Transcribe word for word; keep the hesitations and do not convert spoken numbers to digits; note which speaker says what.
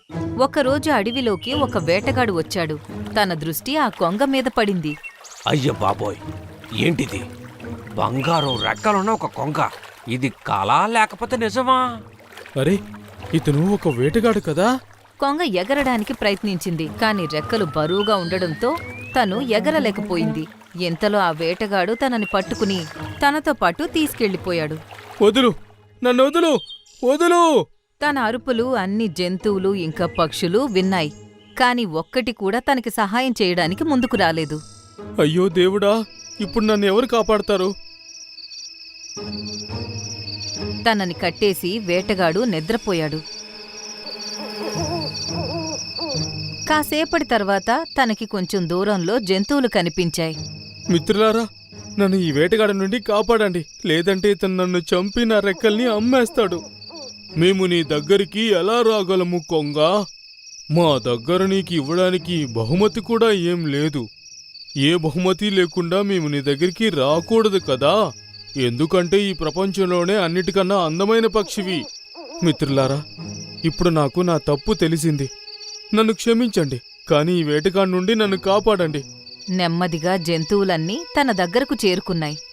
Speaker 1: ఒకరోజు అడవిలోకి ఒక వేటగాడు వచ్చాడు. తన దృష్టి ఆ కొంగ మీద పడింది.
Speaker 2: అయ్య బాబోయ్, ఏంటిది? బంగారం రెక్కలున్న ఒక కొంగ. ఇది కళా లేకపోతే నిజమా?
Speaker 3: అరే, ఇతను ఒక వేటగాడు కదా?
Speaker 1: కొంగ ఎగరడానికి ప్రయత్నించింది, కాని రెక్కలు బరువుగా ఉండడంతో తను ఎగరలేకపోయింది. ఇంతలో ఆ వేటగాడు తనని పట్టుకుని తనతో పాటు తీసుకెళ్లిపోయాడు.
Speaker 3: వదులు, నన్ను వదులు, వదులు!
Speaker 1: తన అరుపులు అన్ని జంతువులు ఇంకా పక్షులు విన్నాయి, కాని ఒక్కటి కూడా తనకి సహాయం చేయడానికి ముందుకు రాలేదు.
Speaker 3: అయ్యో దేవుడా, ఇప్పుడు నన్ను ఎవరు కాపాడతారు?
Speaker 1: తనని కట్టేసి వేటగాడు నిద్రపోయాడు. కాసేపటి తర్వాత తనకి కొంచెం దూరంలో జంతువులు కనిపించాయి.
Speaker 3: మిత్రులారా, నన్ను ఈ వేటగాడి నుండి కాపాడండి, లేదంటే ఇతను నన్ను చంపి నా రెక్కల్ని అమ్మేస్తాడు. మేము నీ దగ్గరికి ఎలా రాగలము కొంగ? మా దగ్గర నీకు ఇవ్వడానికి బహుమతి కూడా ఏం లేదు. ఏ బహుమతి లేకుండా మేము నీ దగ్గరికి రాకూడదు కదా, ఎందుకంటే ఈ ప్రపంచంలోనే అన్నిటికన్నా అందమైన పక్షివి. మిత్రులారా, ఇప్పుడు నాకు నా తప్పు తెలిసింది. నన్ను క్షమించండి, కానీ ఈ వేటగాడి నుండి నన్ను కాపాడండి.
Speaker 1: నెమ్మదిగా జంతువులన్నీ తన దగ్గరకు చేరుకున్నాయి.